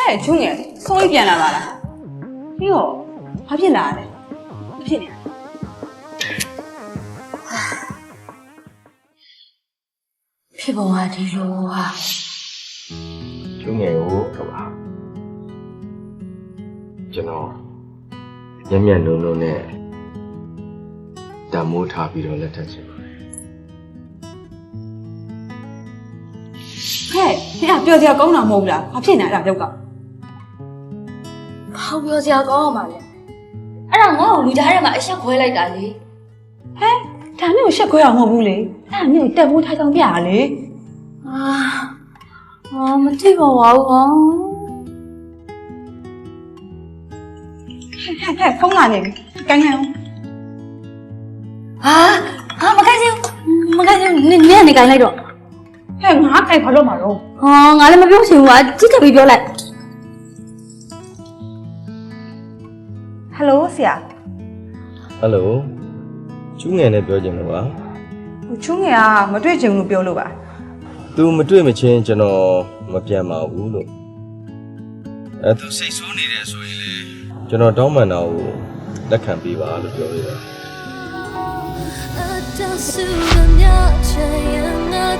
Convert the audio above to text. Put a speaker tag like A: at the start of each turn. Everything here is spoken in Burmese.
A: ဲ့ချုံငယ်ဆုံးပြီးပြန်လာပါလားပြီးတော့ဘာဖြစ်လာလဲမဖြစ်နေဖြစ်ပေါ်လာဒီလိုဟာ
B: ကျုံငယ်ကိုကပါကျွန်တော်ညံ့ညံ့လုံးလုံးနဲ့တမိုးထားပြီးတော့လက်ထပ်ချင်ပါတယ်
A: ဟဲ့နင်ကပြောစရာကောင်းတာမဟုတ်ဘူးလားဘာဖြစ်နေအဲ့ဒါရောက်က
C: ဘာပြောစရာကောင်းအောင်ပါလဲအဲ့ဒါငါ့ကိုလူကြားထဲမှာအဆက်ခွဲလိုက်တာလေ
A: ဟဲ့ဒါနဲ့ကိုရှက်ခွဲအောင်မဟုတ်ဘူးလေအဲ့ဒါမျိုးတက်ဖို့ထားဆောင်ပြရလေ
C: မသိပါဘူးဟော
A: ဟဲ့ဖုန်းလာနေပြီကိုင်းကိုင်းအောင်
C: မခိုင်းဘူးနင်ကနေကိုင်းလိုက်တော့
A: ဟဲ့ငါကိုင်းဘာလို့မှာတော့
C: ငါလည်းမပြောချင်ဘူးကြည့်ချက်ပြီးပြောလိုက်
A: ဟယ်လိုဆရာ
B: ဟယ်လိုကျုံငယ်နဲ့ပြောချင်လို့ပါ
A: ချုံငယ်ကမတွေ့ချင်ဘူးလို့ပြောလို့ပါ
B: သူမတွေ့မချင်းကျွန်တော်မပြန်ပါဘူးလို့သူစိတ်ဆိုးနေတယ်ဆိုရင်လေကျွန်တော်တောင်းပန်တာကိုလက်ခံပေးပါလို့ပြောရတာ